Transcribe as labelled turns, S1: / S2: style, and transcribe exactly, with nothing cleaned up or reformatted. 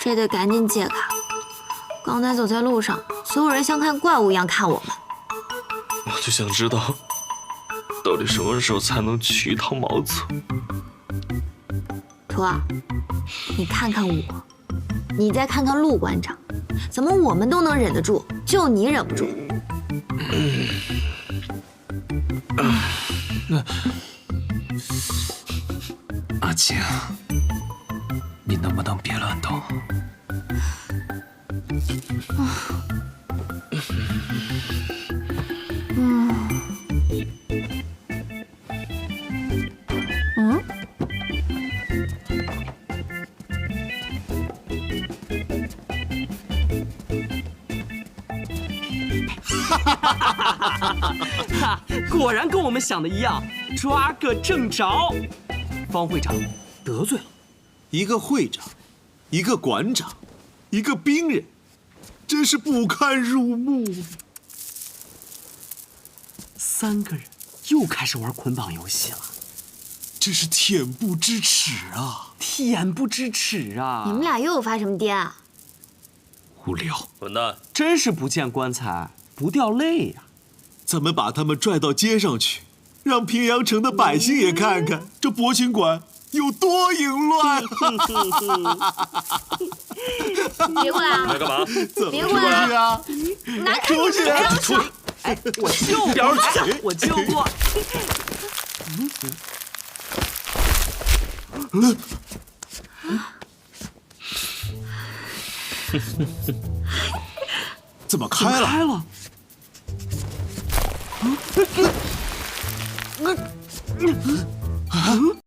S1: 这得赶紧解开。刚才走在路上，所有人像看怪物一样看我们。
S2: 我就想知道，到底什么时候才能取一套茅厕？
S1: 图儿，你看看我，你再看看陆馆长，怎么我们都能忍得住，就你忍不住？
S3: 嗯嗯那阿青，你能不能别乱动？
S1: 嗯。嗯？
S4: 哈哈哈哈哈！果然跟我们想的一样，抓个正着。方会长得罪了
S5: 一个会长，一个馆长，一个兵人，真是不堪入目。
S4: 三个人又开始玩捆绑游戏了，
S5: 这是恬不知耻啊！
S4: 恬不知耻啊！
S1: 你们俩又有发什么癫啊？
S5: 无聊，
S2: 混蛋！
S4: 真是不见棺材不掉泪呀！
S5: 咱们把他们拽到街上去，让平阳城的百姓也看看这博群馆有多淫乱！
S1: 别过来啊！
S2: 来干嘛？
S1: 别过来
S5: 啊！
S1: 拿开你
S5: 出去！
S1: 出去！
S4: 哎，我救过，哎，我救过。
S5: 嗯。怎么开了？
S4: 开了。
S5: 啊！